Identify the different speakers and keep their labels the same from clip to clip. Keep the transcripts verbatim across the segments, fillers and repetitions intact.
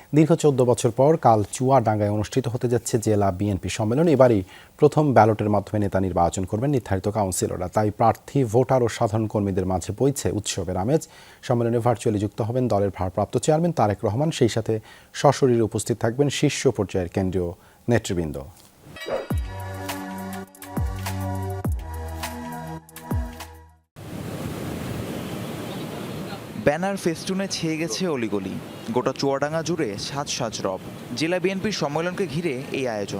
Speaker 1: দীর্ঘ চোদ্দ বছর পর কাল চুয়াডাঙ্গায় অনুষ্ঠিত হতে যাচ্ছে জেলা বিএনপি সম্মেলন। এবারই প্রথম ব্যালটের মাধ্যমে নেতা নির্বাচন করবেন নির্ধারিত কাউন্সিলররা। তাই প্রার্থী, ভোটার ও সাধারণ কর্মীদের মাঝে বইছে উৎসবের আমেজ। সম্মেলনে ভার্চুয়ালি যুক্ত হবেন দলের ভারপ্রাপ্ত চেয়ারম্যান তারেক রহমান। সেই সাথে সশরীরে উপস্থিত থাকবেন শীর্ষ পর্যায়ের কেন্দ্রীয় নেতৃবৃন্দ।
Speaker 2: ব্যানার ফেস্টুনে ছেয়ে গেছে অলিগলি, গোটা চুয়াডাঙ্গা জুড়ে সাজ সাজ রব। জেলা বিএনপির সম্মেলনকে ঘিরে এই আয়োজন।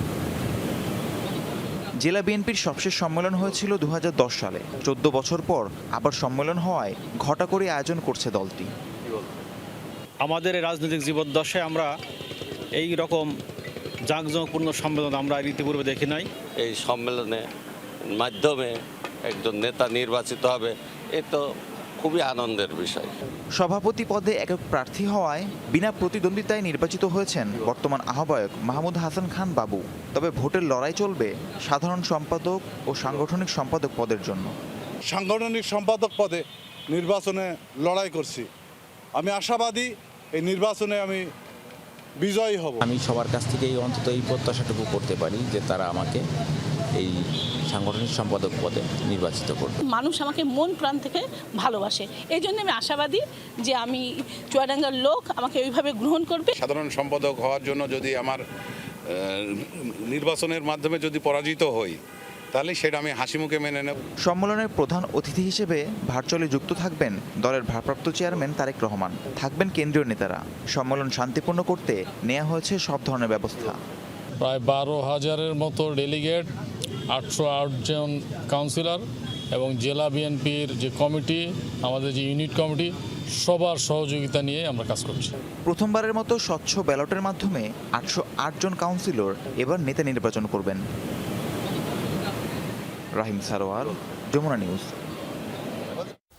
Speaker 2: জেলা বিএনপির সবশেষ সম্মেলন হয়েছিল দু হাজার দশ সালে। চোদ্দ বছর পর আবার সম্মেলন হওয়ায় ঘটা করে আয়োজন করছে দলটি।
Speaker 3: আমাদের রাজনৈতিক জীবদ্দশায় আমরা এই রকম জাঁকজমকপূর্ণ সম্মেলন আমরা ইতিপূর্বে দেখি নাই।
Speaker 4: এই সম্মেলনের মাধ্যমে একজন নেতা নির্বাচিত হবে, এ তো খুবই আনন্দের বিষয়।
Speaker 2: সভাপতি পদে একক প্রার্থী হওয়ায় বিনা প্রতিদ্বন্দ্বিতায় নির্বাচিত হয়েছেন বর্তমান আহ্বায়ক মাহমুদ হাসান খান বাবু। তবে ভোটের লড়াই চলবে সাধারণ সম্পাদক ও সাংগঠনিক সম্পাদক পদের জন্য।
Speaker 5: সাংগঠনিক সম্পাদক পদে নির্বাচনে লড়াই করছি। আমি আশাবাদী এই নির্বাচনে আমি বিজয়ী হব।
Speaker 6: আমি সবার কাছ থেকেই অন্তত এই প্রত্যাশাটুকু করতে পারি যে তারা আমাকে এই সাংগঠনিক সম্পাদক পদে নির্বাচিত করবে।
Speaker 7: মানুষ আমাকে মন প্রাণ থেকে ভালোবাসে, এই জন্য আমি আশাবাদী যে আমি চুয়াডাঙ্গার লোক আমাকে ওইভাবে গ্রহণ করবে।
Speaker 8: সাধারণ সম্পাদক হওয়ার জন্য যদি আমার নির্বাচনের মাধ্যমে যদি পরাজিত হই, তাহলে সেটা আমি হাসি মুখে মেনে নেব।
Speaker 2: সম্মেলনের প্রধান অতিথি হিসেবে ভার্চুয়ালি যুক্ত থাকবেন দলের ভারপ্রাপ্ত চেয়ারম্যান তারেক রহমান। থাকবেন কেন্দ্রীয় নেতারা। সম্মেলন শান্তিপূর্ণ করতে নেওয়া হয়েছে সব ধরনের ব্যবস্থা।
Speaker 9: প্রায় বারো হাজারের মতো ডেলিগেট, আটশো আট জন কাউন্সিলর এবং জেলা বিএনপির যে কমিটি, আমাদের যে ইউনিট কমিটি, সবার সহযোগিতা নিয়ে আমরা কাজ করছি।
Speaker 2: প্রথমবারের মতো স্বচ্ছ ব্যালটের মাধ্যমে আটশো আট জন কাউন্সিলর এবার নেতা নির্বাচন করবেন। রাহিম সারোয়ার, যমুনা নিউজ।